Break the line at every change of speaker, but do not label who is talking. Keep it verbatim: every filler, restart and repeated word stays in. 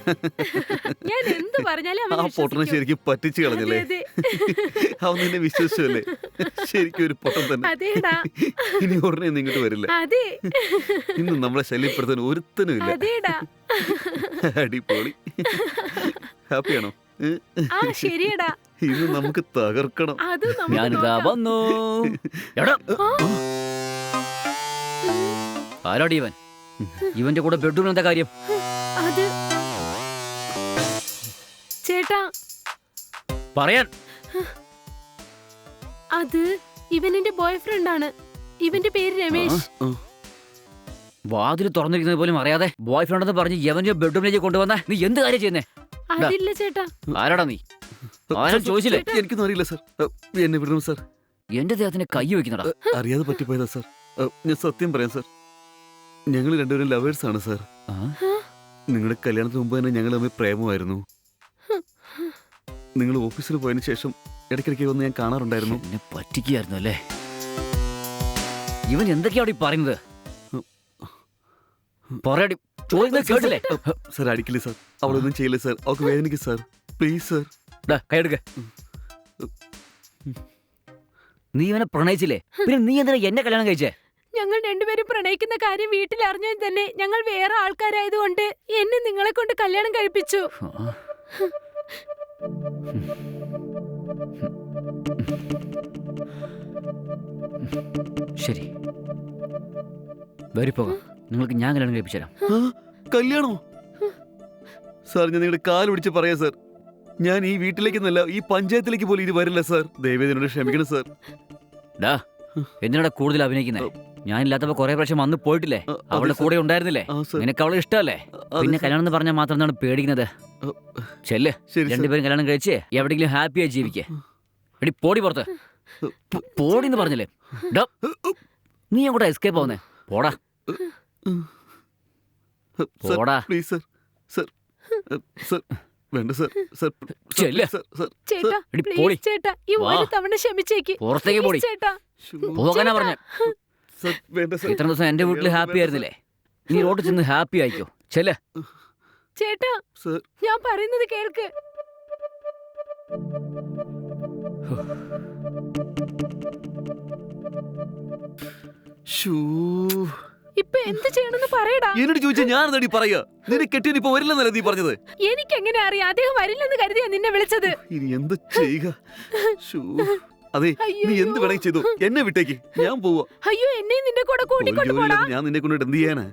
ഞാൻ എന്ത് പറഞ്ഞാലും
ആ
അവൻ
പൊട്ടനെ
വിശ്വസിക്കും.
ശരിക്കും പറ്റിച്ചു
അതെ
കളഞ്ഞല്ലേ?
അതെ
അവൻ നിന്നെ വിശ്വസിച്ചല്ലേ? ശരിക്കും ഒരു പൊട്ടൻ തന്നെ.
അതേടാ
ഇനി ഉടനെ ഒന്നും ഇങ്ങോട്ട് വരില്ല.
അതെ
ഇന്ന് നമ്മളെ ശല്യപ്പെടുത്താൻ ഒരുത്തനും ഇല്ല.
അതേടാ
അടിപൊളി. ഹാപ്പിയാണോ? ഏ?
ആ ശരിയടാ
ഇന്ന് നമുക്ക് തകർക്കണം.
അത് നമുക്ക്
ഞാനിതാ
നോക്കാം.
വന്നു. എടാ,
ആ,
ആരാടി ഇവൻ? ഇവന്റെ കൂടെ ബെഡ്റൂമിൽ എന്താ കാര്യം?
അത് ചേട്ടാ
പറയാൻ.
അത് ഇവൻ എന്റെ ബോയ് ഫ്രണ്ട് ആണ്. ഇവന്റെ പേര് രമേശ്.
ആ,
വാതിൽ തുറന്നിരിക്കുന്നത് പോലും അറിയാതെ ബോയ് ഫ്രണ്ട് എന്ന് പറഞ്ഞ് യവന്റെ ബെഡ്റൂമിലേക്ക് കൊണ്ടുവന്ന നീ എന്ത് കാര്യം ചെയ്യുന്നേ?
അതില്ല ചേട്ടാ.
ആരാടാ നീ? ആരും ചോദിച്ചില്ലേ?
എനിക്കൊന്നും അറിയില്ല സാർ. എന്നെ വിടണം സാർ.
എന്റെ ദേഹത്തിന് കൈ വെക്കുന്നടാ.
അറിയാതെ പറ്റിപ്പോയതാ സാർ. ഞാൻ സത്യം പറയാം സാർ. ഞങ്ങൾ രണ്ടുപേരും ലവേഴ്സ് ആണ് സാർ.
ആ?
നിങ്ങളുടെ കല്യാണത്തിന് മുമ്പ് തന്നെ ഞങ്ങൾ തമ്മിൽ പ്രേമമായിരുന്നു. നിങ്ങൾ ഓഫീസിൽ പോയതിനു ശേഷം ഇടയ്ക്കിടയ്ക്ക് വന്ന് ഞാൻ കാണാറുണ്ടായിരുന്നു.
എന്നെ പറ്റിക്കായിരുന്നു അല്ലേ? ഇവൻ എന്തൊക്കെയാടി പറയുന്നത്? പറയടി, ചോദിക്കുന്നത് കേട്ടില്ലേ?
സാർ അടിക്കില്ലേ സാർ. അവളൊന്നും ചെയ്യില്ല സാർ. അവൾക്ക് വേദനിക്കും സാർ. Please sir.
ഡാ, കൈയെടുക്ക. നീ ഇവനെ പ്രണയിച്ചില്ലേ? പിന്നെ നീ എന്തിനാ എന്നെ കല്യാണം കഴിച്ചേ?
ഞങ്ങൾ രണ്ടുപേരും പ്രണയിക്കുന്ന കാര്യം വീട്ടിൽ അറിഞ്ഞാൽ തന്നെ ഞങ്ങൾ വേറെ ആൾക്കാരായതുകൊണ്ട് എന്നെ നിങ്ങളെ കൊണ്ട് കല്യാണം കഴിപ്പിച്ചു.
ആ. ശരി, വരിപ്പോകാം. നിങ്ങൾക്ക് ഞാൻ കല്യാണം കഴിപ്പിച്ചു തരാം.
ആ, കല്യാണമോ? സാർ ഞാൻ നിങ്ങളുടെ കാല് പിടിച്ച് പറയാം സാർ. ഞാൻ ഈ വീട്ടിലേക്കെന്നല്ല ഈ പഞ്ചായത്തിലേക്ക് പോലും ഇനി വരില്ല സാർ. ദയവേദി എന്നോട് ക്ഷമിക്കണം സാർ.
ഡാ, എന്തിനാടാ കൂടുതൽ അഭിനയിക്കുന്നേ? ഞാനില്ലാത്തപ്പോ കുറെ പ്രാവശ്യം വന്ന് പോയിട്ടില്ലേ?
ആ, അതെ
അവളുടെ
സാർ.
കൂടെ ഉണ്ടായിരുന്നില്ലേ?
ആ, സാർ.
നിനക്ക് അവളെ ഇഷ്ടമല്ലേ?
അതെ
പിന്നെ
സാർ.
കല്യാണം എന്ന് പറഞ്ഞാൽ മാത്രം എന്താണ് പേടിക്കുന്നത്?
ആ,
ചെല്ല്,
ശരി സാർ.
രണ്ടുപേരും കല്യാണം കഴിച്ച് എവിടെയെങ്കിലും ഹാപ്പിയായി ജീവിക്കേ. എടി പോടി പുറത്ത്. പോ- പോടി എന്ന് പറഞ്ഞില്ലേ? ഡാ, നീ അങ്ങോട്ട് എസ്കേപ്പ് ആവുന്നേ? പോടാ
സാർ,
പോടാ.
Please sir. സാർ സാർ വേണ്ട സാർ. സാർ
ചെല്ല്.
സാർ സാർ
ചേട്ടാ
എടി, പോടി.
പ്ലീസ് ചേട്ടാ ഈ
വാ.
ഒരു തവണ ക്ഷമിച്ചേക്ക്.
പുറത്തേക്ക് പോടി.
Please ചേട്ടാ.
ശ്ശോ.
പോകാനാ പറഞ്ഞ.
സാർ വേണ്ട സാർ.
ഇത്ര ദിവസം എന്റെ വീട്ടിൽ ഹാപ്പി ആയിരുന്നില്ലേ? നീ റോഡിൽ ചെന്ന് ഹാപ്പി ആയിക്കോ. ചെല്ല്.
ചേട്ടാ
സാർ
ഞാൻ പറയുന്നത് കേൾക്ക്.
ശ്ശോ.
ഇപ്പൊ എന്ത് ചെയ്യണമെന്ന് പറയടാ.
എന്നോട് ചോദിച്ചാൽ ഞാൻ എന്താടി പറയാ? നിന്നെ കെട്ടിയൻ ഇപ്പൊ വരില്ലെന്നല്ലേ നീ പറഞ്ഞത്?
എനിക്ക് എങ്ങനെ അറിയാം? അദ്ദേഹം വരില്ലെന്ന് കരുതിയാ നിന്നെ വിളിച്ചത്.
ഇനി എന്ത് ചെയ്യുക? ശ്ശോ. അതെ, നീ
അയ്യോ.
എന്ത് വേണമെങ്കിൽ ചെയ്തു. എന്നെ വിട്ടേക്ക്, ഞാൻ പോവാ.
അയ്യോ എന്നെയും നിന്റെ കൂടെ
ഒരു
കൂട്ടിക്കൊണ്ട് പോടാ.
ജോലിയില്ലാതെ ഞാൻ നിന്നെ കൊണ്ടിട്ട് എന്ത് ചെയ്യാനാ?